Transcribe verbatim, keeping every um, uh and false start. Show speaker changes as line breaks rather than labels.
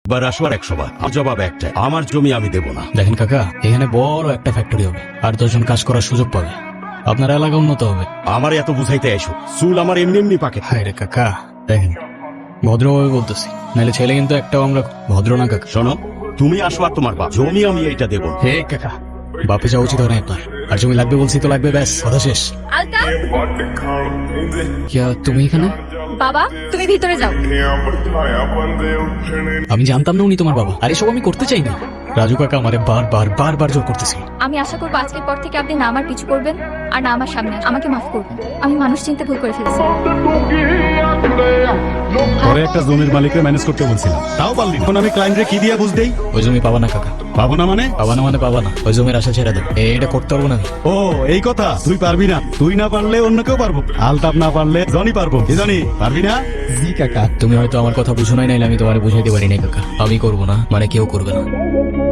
বার আসবার একশো বার আমার জবাব একটাই, আমার জমি আমি দেব না।
দেখেন কাকা, এখানে বড় একটা ফ্যাক্টরি হবে, আর দশজন কাজ করার সুযোগ পাবে, আপনার এলাকা উন্নত হবে।
আমার এত বুঝাইতে এসো, চুল আমার এমনি এমনি পাকে।
হায় রে কাকা, দেখেন ভদ্রভাবে বলতেছি, নাহলে ছেলে কিন্তু একটাও আমরা ভদ্র না কাকা।
শোনো, তুমি আসো আর তোমার বাপ, জমি আমি এইটা দেব না।
হে কাকা, বাপে যাওয়া উচিত হয় না আপনার, আর জমি লাগবে বলছি তো লাগবে, ব্যাস কথা শেষ।
আলতা,
কিয়া তুমি এখানে?
বাবা তুমি ভিতরে যাও।
আমি জানতাম না উনি তোমার বাবা, আর এসব আমি করতে চাই না। রাজু কাকা আমারে বারবার বারবার জোর করতেছিল।
আমি আশা করবো আজকের পর থেকে আপনি না আমার পিছু করবেন আর না আমার সামনে আসবেন। আমাকে মাফ করবেন, আমি মানুষ চিনতে ভুল করে ফেলেছি।
পরে একটা জমির মালিককে ম্যানেজ করতে বলছিলাম, তাও পারলি না। এখন আমি ক্লায়েন্টরে কি দিয়া বুঝ দেই?
ওই জমি পাবা না কাকা,
পাবো না মানে?
পাবা না মানে পাবা না, ওই জমির আশা ছেড়ে দেব, এটা করতে পারবো না আমি।
ও এই কথা, তুই পারবি না। তুই না পারলে অন্য কেউ পারবো, আলতাপ না পারলে জনি পারবো। কি জানি পারবি না?
জি কাকা, তুমি হয়তো আমার কথা বুঝো নাই, নাইলে আমি তোমার বুঝাইতে পারি নাই কাকা। আমি করবো না মানে কেউ করবে না।